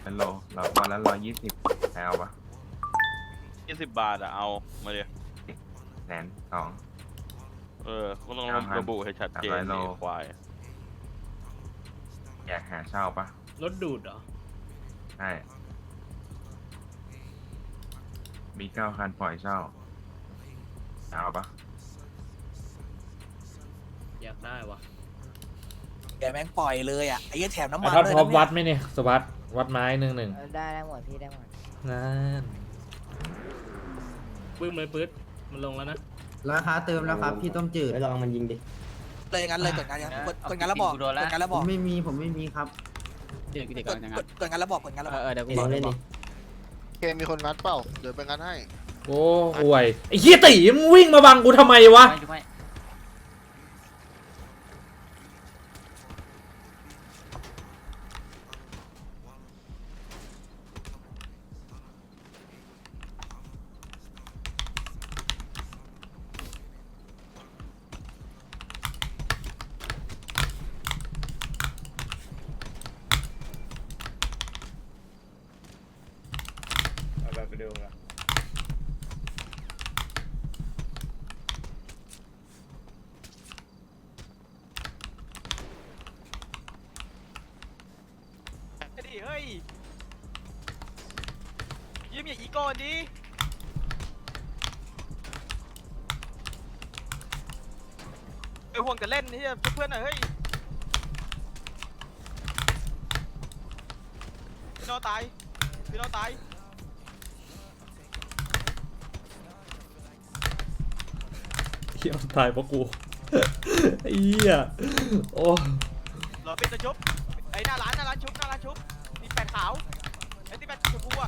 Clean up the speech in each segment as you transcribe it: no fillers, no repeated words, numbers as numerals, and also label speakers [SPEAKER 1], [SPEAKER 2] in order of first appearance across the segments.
[SPEAKER 1] เป็นโลเราวันละ120เอาปะ
[SPEAKER 2] 20 บาทอะเอามาเลย
[SPEAKER 1] 120,000
[SPEAKER 2] ก็ต้องระบุให้ชัดเจน
[SPEAKER 1] 300 โล
[SPEAKER 2] นี่ควาย
[SPEAKER 1] อยากหาเช่าปะ
[SPEAKER 3] รถดูดเหรอ
[SPEAKER 1] ใช่มี9 คันปล่อยเช่าเอาปะ
[SPEAKER 3] อยากได้วะ
[SPEAKER 4] แกแม่งปล่อยเลยอ่ะไอ้เหี้ยแถมน้ำ
[SPEAKER 5] ไอ้
[SPEAKER 4] มัน
[SPEAKER 5] ท็อป
[SPEAKER 4] ด้วย
[SPEAKER 5] พร้อม
[SPEAKER 4] นะ
[SPEAKER 5] วั
[SPEAKER 4] เนี่ย
[SPEAKER 5] ดไหมเนี่ยสวัสดวัดไม้1-1
[SPEAKER 6] ได้หมดพี่ได้หมด
[SPEAKER 5] นั่น
[SPEAKER 3] ปึ้มเลยปื๊ดมันลงแล้วนะ
[SPEAKER 7] ราคาเติมแล้วครับพี่ต้มจืด
[SPEAKER 8] ไปลองมันยิงดิ
[SPEAKER 4] เลยงั้นเลยกดงานยังกดงานแล้วบอกกดงานแล้ว
[SPEAKER 7] ผ
[SPEAKER 4] บอก
[SPEAKER 7] มไม่มีครับ
[SPEAKER 4] กดงานแล้วบอกกดงานแล้วบอก
[SPEAKER 8] เดี๋ยวกูบอกเล่นดิ
[SPEAKER 9] เกมมีคนงัดเปล่าเดี๋ยวไปงัดให้
[SPEAKER 5] โอ้ห่วยไอ้เหี้ยตีมึงวิ่งมาบังกูทำไมวะ
[SPEAKER 2] ไปดูกันเฮ้ยยิ้มอย่าอีกอนดิไปห่วงกันเล่นนี่เพื่อนๆหน่อยเฮ้ยพี่น้องตายพี่น้องตาย
[SPEAKER 5] เหี้ยตายเพราะกูไอ้เหี้ยโอ้
[SPEAKER 2] รอปิดตัวชุบไอ้หน้าร้านชุบมีแปดขาวไอ้ที่แปดชมพูอ่ะ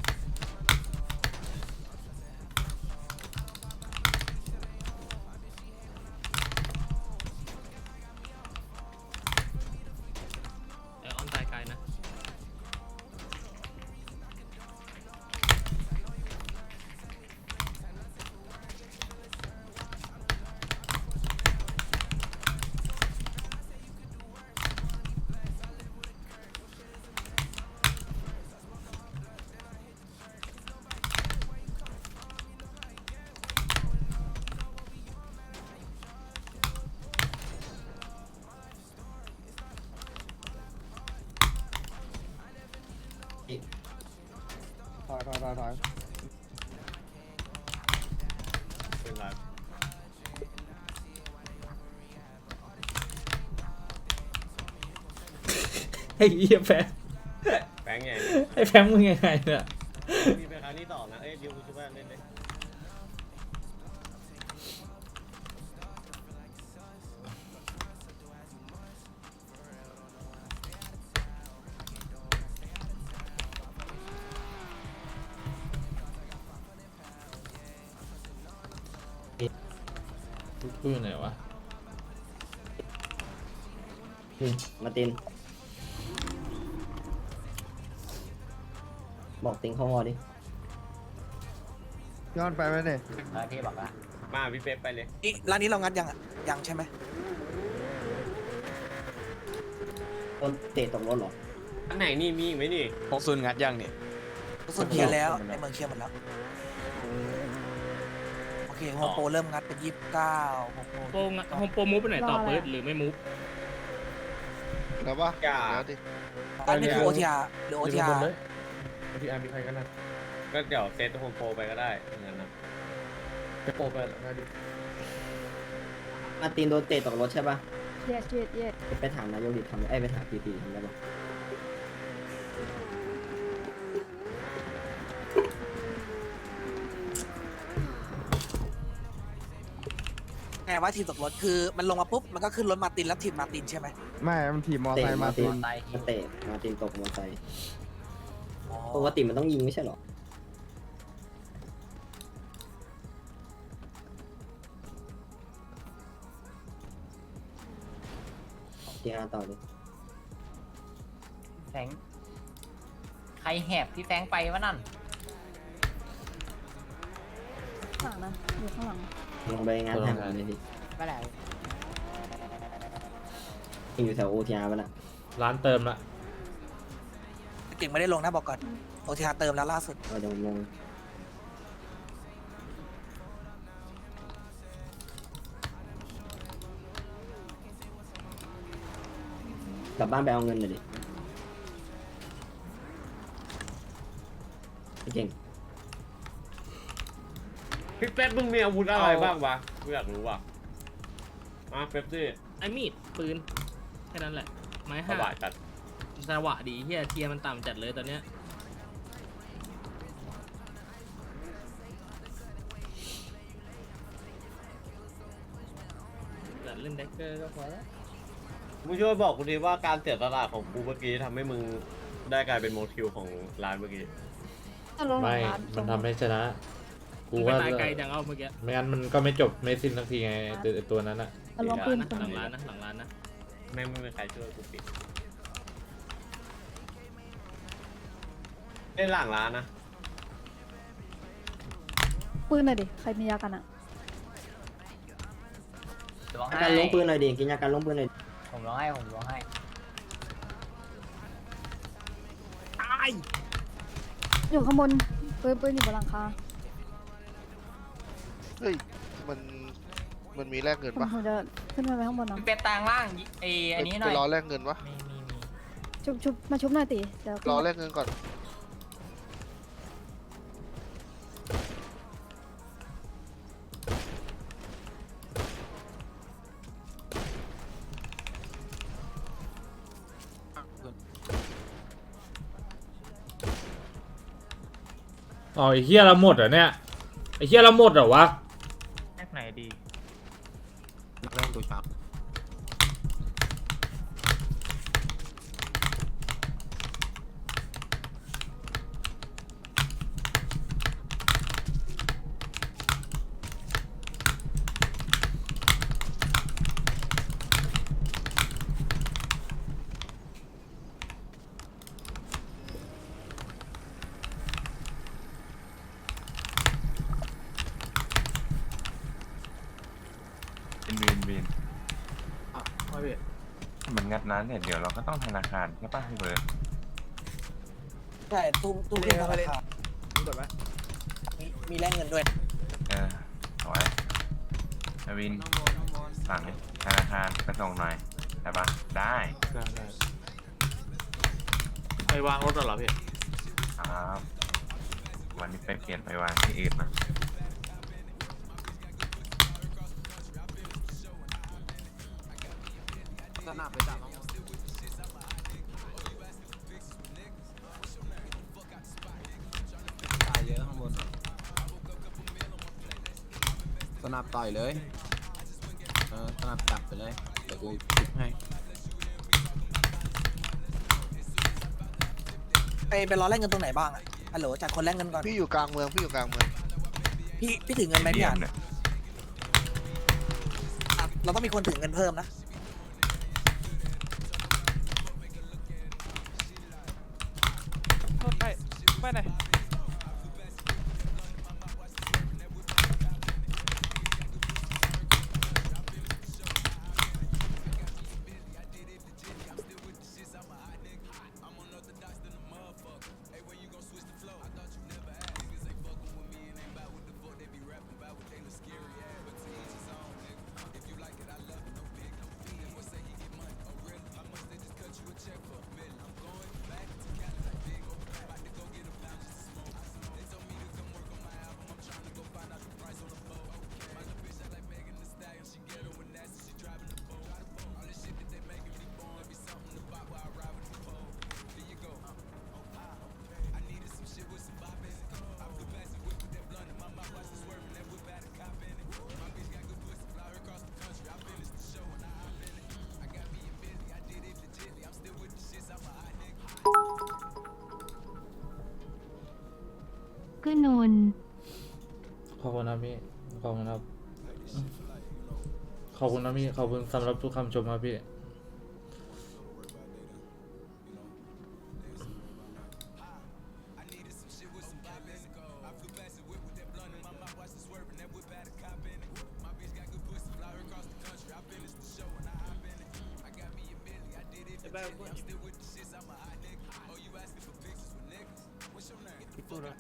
[SPEAKER 3] ไอออนตายไกลนะ
[SPEAKER 8] ถอย
[SPEAKER 5] ไอ้เหี้ยแฟง
[SPEAKER 2] แบงค์ไง
[SPEAKER 5] ไอ้แฟงมึงยังไงเนี่ย
[SPEAKER 2] มีไปครั้งที่2นะดิวชุบเล่นเลย
[SPEAKER 5] กูอยู่ไหนวะ
[SPEAKER 8] มาตินบอกติงเข้าวอดิ
[SPEAKER 7] ย้อนไปไหมเนี่ย
[SPEAKER 8] พี่บอกว่า
[SPEAKER 2] มาพี่เป๊ปไปเลย
[SPEAKER 4] นี่ร้านนี้เรางัดยังอ่ะยังใช่ไหม
[SPEAKER 8] ต้นเตะตกรถเหรอ
[SPEAKER 2] อันไหนนี่มีอีกไหมนี่
[SPEAKER 9] 60งัดยังเนี่ย
[SPEAKER 4] สุดเคลียร์แล้วในเมืองเคลียร์หมดแล้วโอเคโฮมโปรเริ่มงัดเป็น29
[SPEAKER 3] โฮมโปรมูฟไปไหนต่อปื๊ดหรือไม่มูฟ
[SPEAKER 9] แล้วป่ะ
[SPEAKER 2] อย่า
[SPEAKER 9] เดี๋ยวดิ
[SPEAKER 4] อันนี้คือ OTR หรือ OTR
[SPEAKER 5] พี่อาร์มีใครกันนะ
[SPEAKER 2] ก็เดี๋ยวเซตโฮมโปรไปก็ได้งั้นนะ
[SPEAKER 5] จะโปรไปนะดิ
[SPEAKER 8] มาตินโดนเตะตกรถใช่ป่ะ
[SPEAKER 6] yes
[SPEAKER 8] ไปถามนายกดิทำไปถามพีทำได้ป่ะ
[SPEAKER 4] ไงว่าทีมตกรถคือมันลงมาปุ๊บมันก็ขึ้นรถมาตินแล้วทีมมาตินใช่ไหม
[SPEAKER 7] ไม่มันถีบมอ
[SPEAKER 8] เตะ
[SPEAKER 7] ไซค์
[SPEAKER 8] มา
[SPEAKER 7] มา
[SPEAKER 8] ติ
[SPEAKER 7] ติ
[SPEAKER 8] น
[SPEAKER 7] น
[SPEAKER 8] มาเตะมาตินตกมอไซค์
[SPEAKER 4] อ๋อ
[SPEAKER 8] ปกติมันต้องยิงไม่ใช่หรอทีห้าต่อดิ
[SPEAKER 6] แฟงใครแหบพี่แฟงไปวะนั่นข้างหลังนะอยู่ข้างหลัง
[SPEAKER 8] ลงไปงานแทนผมเลยดิ
[SPEAKER 6] ไปไหน
[SPEAKER 8] อยู่แถวโอทีอาร์ป่ะน่ะ
[SPEAKER 5] ร้านเติมละ
[SPEAKER 4] ก่งไม่ได้ลงนะบอกก่อนโอทีฮาเติมแล้วล่าสุด
[SPEAKER 8] เดี๋ยวผมลงกลับบ้านไปเอาเงินเลยดิพี่เก่ง
[SPEAKER 10] พี่เป๊ปมึงมีอาวุธอะไรบ้างวะกูอยากรู้ว่ะเป๊ปซี่
[SPEAKER 3] ไอ้มีดปืนแค่นั้นแหละไม้
[SPEAKER 10] ส
[SPEAKER 3] ห้า
[SPEAKER 10] บายจัด
[SPEAKER 3] สวะดีเฮียเทียร์มันต่ำจัดเลยตอนเนี้ยจัดเล่นแดกเกอร์ก็พอแล้ว
[SPEAKER 10] มึงช่วยบอกกูดีว่าการเสียสละของกูเมื่อกี้ทำให้มึงได้กลายเป็นโมทิวของร้านเมื่อกี้
[SPEAKER 5] ไม่ มันทำให้ชนะ กู
[SPEAKER 3] มึงไป
[SPEAKER 5] ว่า
[SPEAKER 3] ตายไกลจังเอาเมื่อกี้
[SPEAKER 5] ไม่งั้นมันก็ไม่จบไม่สิ้นสักทีไงไอ้ตัวนั้นอะ
[SPEAKER 3] หลังร้านนะหลังร้านนะหลังร้านนะ
[SPEAKER 10] ไม่มีใครช่วยกูปิดเล่นหลังร้านนะ
[SPEAKER 11] ปืนหน่อยดิ ใครมียากันอะ
[SPEAKER 6] ร้อง
[SPEAKER 8] ยา
[SPEAKER 6] ให้
[SPEAKER 8] การล้มปืนหน่อยดิกินยาการล้มปืนหน่อย
[SPEAKER 6] ผมร้องให้ผมร้องให้
[SPEAKER 11] อยู่ข้างบนปืนอยู่บนหลังคา
[SPEAKER 9] เฮ้ย มันมีแลกเงินปะ
[SPEAKER 11] ผมจะขึ้นไปข้างบนเนาะ
[SPEAKER 6] พี่เป็ดตางล่างอันนี้หน่
[SPEAKER 9] ไป
[SPEAKER 6] อย
[SPEAKER 9] รอแลกเงินปะ
[SPEAKER 6] มี
[SPEAKER 11] ชุบมาชุบหน่อยติเดี๋ยว
[SPEAKER 9] รอแลกเงินก่อน
[SPEAKER 5] อ๋อไอ้เฮียเราหมดเหรอเนี่ยไอ้เฮียเราหมดเหรอวะ
[SPEAKER 2] แอคไหนดี
[SPEAKER 7] เริ่มดูชับ
[SPEAKER 1] วินเหมือนงัดร้านเนี่ยเดี๋ยวเราก็ต้องธนาคารใช่ป่ะพี่เบิร์ด
[SPEAKER 4] ใช่ตู้เล่นธนาคารมีแลกเงินด้วย
[SPEAKER 1] เอาไว้วินสั่งดิธนาคารไปส่งหน่อยได้ปะได้
[SPEAKER 10] ไปวางรถเหรอพี่
[SPEAKER 1] ครับวันนี้ไปเปลี่ยนไปวางที่อื่นนะ
[SPEAKER 7] สนับไปจับตายเยอะข้างบนสนับต่อยเลยสนับจับไปเลยเดี๋ยวกูชุบให้
[SPEAKER 4] ไปรอแลกเงินตรงไหนบ้างอะฮัลโหลจากคนแลกเงินก่อน
[SPEAKER 9] พี่อยู่กลางเมือง พี่อยู่กลางเมือง
[SPEAKER 4] พี่ถึงเงินไหมพี่
[SPEAKER 1] เยี่ย
[SPEAKER 4] อ่ะ
[SPEAKER 1] มเลย
[SPEAKER 4] เราต้องมีคนถึงเงินเพิ่มนะ
[SPEAKER 2] ไปไหน
[SPEAKER 11] ก็นน
[SPEAKER 5] ขอบคุณนะพี่ขอบคุณครับขอบคุณนะพี่ขอบคุณสำหรับทุกคำชมครับพี่
[SPEAKER 4] ตู้นะ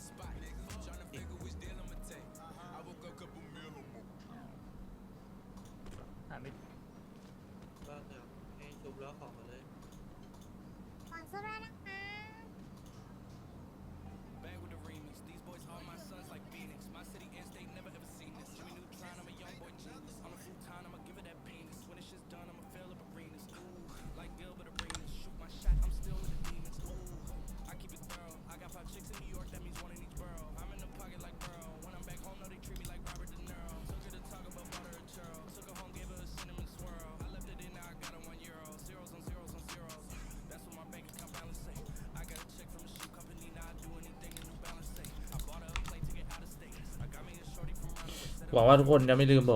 [SPEAKER 8] ให้ชุบแล้วของมาเลย
[SPEAKER 11] ฝากเสื้อด้วยนะคะ
[SPEAKER 5] หวังว่าทุกคนจะไม่ลืมผม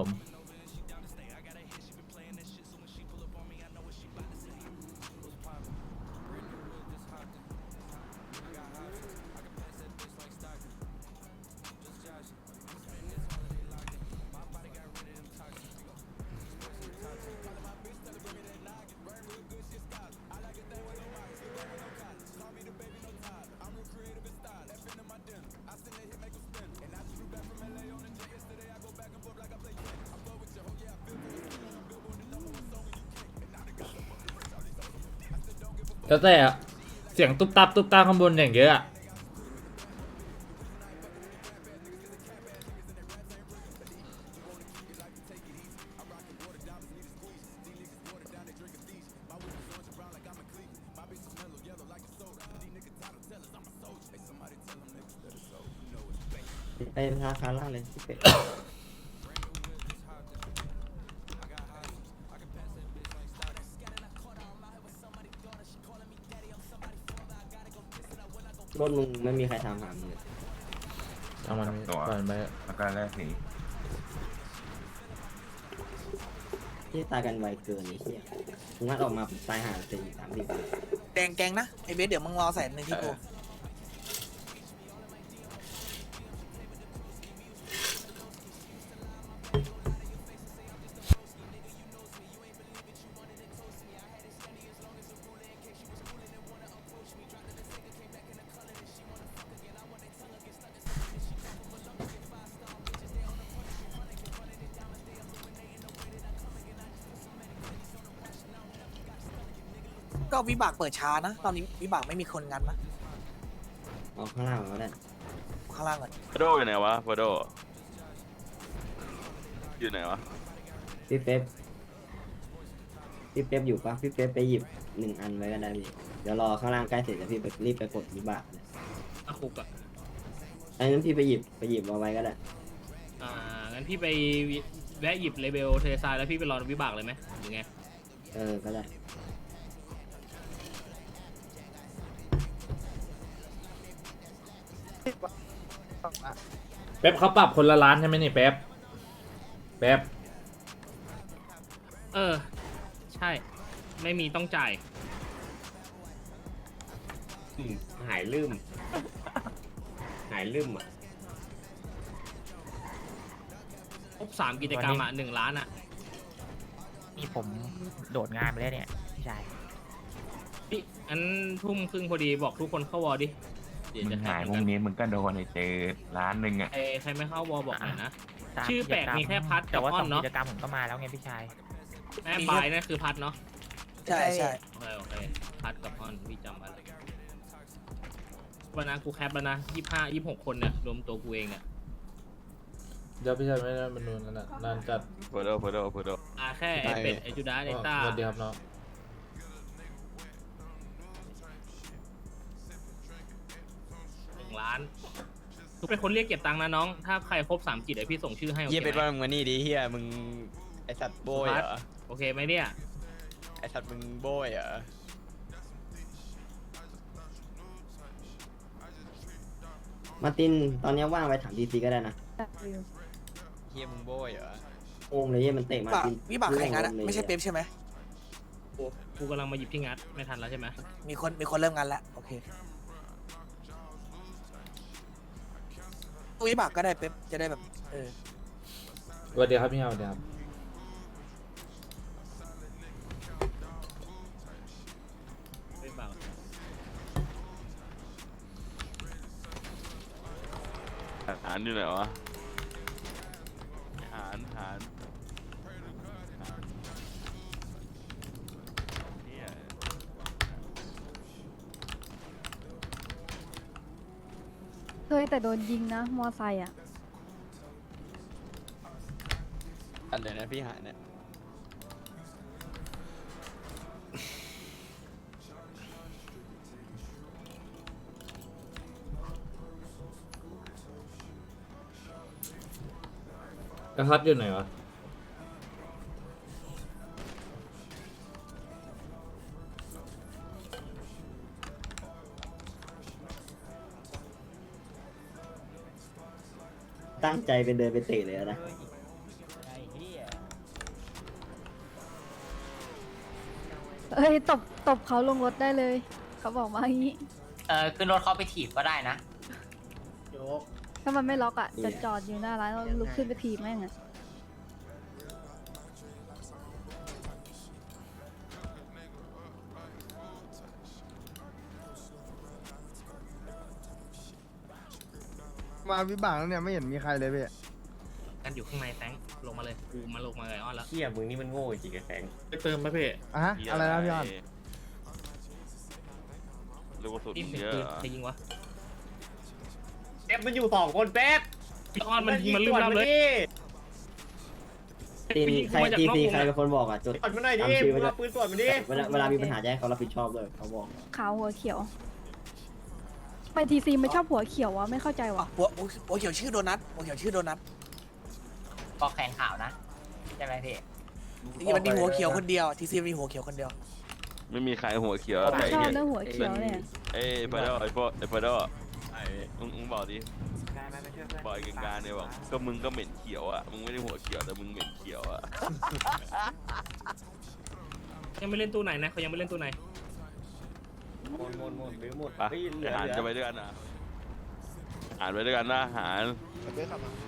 [SPEAKER 5] แล้วแต่อะเสียงตุ๊บตับข้างบนอย่างเยอะอะ
[SPEAKER 8] ไปราคาล่างเลยพี่เป็ดรถมึงไม่มีใครทำหามึงเลย
[SPEAKER 5] เอามัน
[SPEAKER 1] ตัว
[SPEAKER 5] ก่อนไป
[SPEAKER 1] แล้วก็แลกสี
[SPEAKER 8] ที่ตายกันไวเกินไอ้เหี้ยมึงงัดออกมาตายห่าเป็น30
[SPEAKER 4] แดงแกงนะไอเบสเดี๋ยวมึงรอ100,000ที่กู ก็วิบากเปิดช้านะ ตอนนี้วิบากไม่มีคนงันนะ
[SPEAKER 8] เอาข้างล่างมาก็ได้
[SPEAKER 4] ข้างล่างก่อน
[SPEAKER 9] ฟโดอยู่ไหนวะฟโดอยู่ไหนวะ
[SPEAKER 8] พี่เป๊ปอยู่ปะพี่เป๊ปไปหยิบ1 อันไว้ก็ได้พี่เดี๋ยวรอข้างล่างใกล้เสร็จแล้วพี่ไปรีบไปกดวิบากเลย
[SPEAKER 3] อาคุกอะ
[SPEAKER 8] อันนั้นพี่ไปหยิบเอาไว้ก็ได้
[SPEAKER 3] งั้นพี่ไปแวะหยิบเลเบลเทซายแล้วพี่ไปรอวิบากเลยไหมหรือไง
[SPEAKER 8] ก็ได้
[SPEAKER 5] แป๊บเขาปรับคนละล้านใช่ไหมนี่แป๊บ
[SPEAKER 3] ใช่ ไม่มีต้องจ่าย
[SPEAKER 10] หายลืมอ่ะ
[SPEAKER 3] ครบ3 กิจกรรมอ่ะ1 ล้านอ่ะ
[SPEAKER 6] นี่ผมโดดงานไปแล้วเนี่ยพี่ชาย
[SPEAKER 3] พี่อันทุ่มครึ่งพอดีบอกทุกคนเข้าวอดิเดี๋ยว
[SPEAKER 1] มึ
[SPEAKER 3] จะ
[SPEAKER 1] ง
[SPEAKER 3] แท็
[SPEAKER 1] หาย
[SPEAKER 3] ก
[SPEAKER 1] พรุ่งนี้มึงก็โดนไอ้เจอล้านหนึ่งอ่ะ
[SPEAKER 3] ใครไม่เข้าวอบอกหน่อยนะ
[SPEAKER 6] ตาม
[SPEAKER 3] ชื่อแปลกมีแค่พัด
[SPEAKER 6] แต่
[SPEAKER 3] กับ
[SPEAKER 6] ว่า
[SPEAKER 3] อ้อ
[SPEAKER 6] สอน ง
[SPEAKER 3] เนาะ
[SPEAKER 6] กิจกรรมผมก็มาแล้วไงพี่ชาย
[SPEAKER 3] แม่บายนั่นคือพัดเนาะ
[SPEAKER 4] ใช่ใช่
[SPEAKER 3] โอเคพัดกับอ้อนพี่จำไว้วันนั้นกูแคปแล้วนะ25-26 คนเนี่ยรวมตัวกูเองเนี่ย
[SPEAKER 5] เดี๋ยวพี่ชายไม่ได้มันนูนนั่นน่ะนานจัด
[SPEAKER 9] ฟโด
[SPEAKER 3] แค่ไอเป็ดไอจูดาไอต้า
[SPEAKER 5] สวัสดีครับน้อง
[SPEAKER 3] 1 ล้านทุกเป็นคนเรียกเก็บตังค์นะน้อง ถ้าใครครบ3 กิจเดี๋ยวพี่ส่งชื่อให้โอ
[SPEAKER 10] เยี่ย
[SPEAKER 3] เค
[SPEAKER 10] เป็น
[SPEAKER 3] ไหม
[SPEAKER 10] ว่ามึงมานี่ดิเฮียมึงไอสัตว์โบยเหรอ
[SPEAKER 3] โอเคไหมเนี่ย
[SPEAKER 10] ไอสัตว์มึงโบยเหรอ
[SPEAKER 8] มาร์ตินตอนนี้ว่างไปถามดีซีก็ได้นะ
[SPEAKER 10] เฮียมึงโบยเหรอ
[SPEAKER 8] โอ้มเลยมันเตะมา
[SPEAKER 4] วิบาก
[SPEAKER 8] ร์ติน
[SPEAKER 4] วิบากใครงันอะไม่ใช่เป๊ปใช่ไหม
[SPEAKER 3] กูกำลังมาหยิบที่งัดไม่ทันแล้วใช่ไหม
[SPEAKER 4] มีคนเริ่มงันแล้วโอเควิบากก็ได้เป๊ปจะได้แบบ
[SPEAKER 5] สวัสดีครับพี่ฮาวสวัสดีครับ
[SPEAKER 3] ไม่เบา
[SPEAKER 9] ารอยู่ไหนวะหารเนี่ย
[SPEAKER 11] เคยแต่โดนยิงนะ มอไซค์อ่ะ
[SPEAKER 10] อะไรนะพี่หานเนี่ย
[SPEAKER 5] กระทัดอยู่ไหนวะ
[SPEAKER 8] ตั้งใจเป็นเดินไปเตะเลยนะ
[SPEAKER 6] ไอ้เหี้ย
[SPEAKER 11] เอ้ยตบเขาลงรถได้เลย เขาบอกมาอย่างนี้
[SPEAKER 6] ขึ้นรถเขาไปถีบก็ได้นะ
[SPEAKER 11] ถ้ามันไม่ล็อกอ่ะ จะจอดอยู่หน้าร้านแล้วลุกขึ้นไปถีบแม่งอ่ะ
[SPEAKER 4] มาวิบากแล้วเนี่ยไม่เห็นมีใครเลยพี่
[SPEAKER 3] กันอยู่ข้างในแฟงลงมาเลยกูมาลงมาไงอ้อนแล้ว
[SPEAKER 10] เฮียมึงนี่มันโง่จริงๆไอ้แฟง
[SPEAKER 3] ไปเติมไหมพี่
[SPEAKER 4] อะฮะอะไรนะพี่ออน
[SPEAKER 9] ลูกกระสุน
[SPEAKER 3] นี่เป็น
[SPEAKER 9] เยอะ
[SPEAKER 3] ปืน
[SPEAKER 9] เหรอ
[SPEAKER 3] ใครยิงวะ
[SPEAKER 10] เป๊ปมันอยู่2 คนเป๊ป
[SPEAKER 3] พี่อ้อนมันยิงมันลืมรับเลย
[SPEAKER 8] ทีมใครทีมใครเป็นคนบอกอ่ะจด
[SPEAKER 10] ตรวจมันหน่อยดิ
[SPEAKER 8] ตามชื่อ
[SPEAKER 10] มึ
[SPEAKER 8] ไว้
[SPEAKER 10] ง
[SPEAKER 8] ด้วย
[SPEAKER 10] เอาปืนตรวจมันดิ
[SPEAKER 8] เวลามีปัญหาจะให้เขารับผิดชอบด้วยเขาบอก
[SPEAKER 11] ขาวหัวเขียว ไปทีซีไม่ชอบหัวเขียววะไม่เข้าใจวะ
[SPEAKER 4] หัวเขียวชื่อโดนัทหัวเขียวชื่อโดนัท
[SPEAKER 6] ก็แขนขาวนะ ใช่ไหมพี่
[SPEAKER 4] นี่มันมีหัวเขียวคนเดียวทีซีมีหัวเขียวคนเดียว
[SPEAKER 9] ไม่มีใครหัวเขียว
[SPEAKER 11] ไม่
[SPEAKER 9] แต่
[SPEAKER 11] ชอบ
[SPEAKER 9] เนี่ย
[SPEAKER 11] เรื่องหัวเขียวเนี่ย
[SPEAKER 9] เอ้ยเฟอร์โดไอ้เฟอร์โดมึงบอกดิบอกไอ้กลางๆเนี่ยบอกก็มึงก็เหม็นเขียวอ่ะมึงไม่ได้หัวเขียวแต่มึงเหม็นเขียวอ่ะ
[SPEAKER 3] ยังไม่เล่นตู้ไหนนะเขายังไม่เล่นตู้ไหน
[SPEAKER 10] หมดหรือหมด
[SPEAKER 9] ไป
[SPEAKER 10] เฮ้ยเหลือ
[SPEAKER 9] หารจะไปด้วยกันนะหารไปด้วยกันนะหาร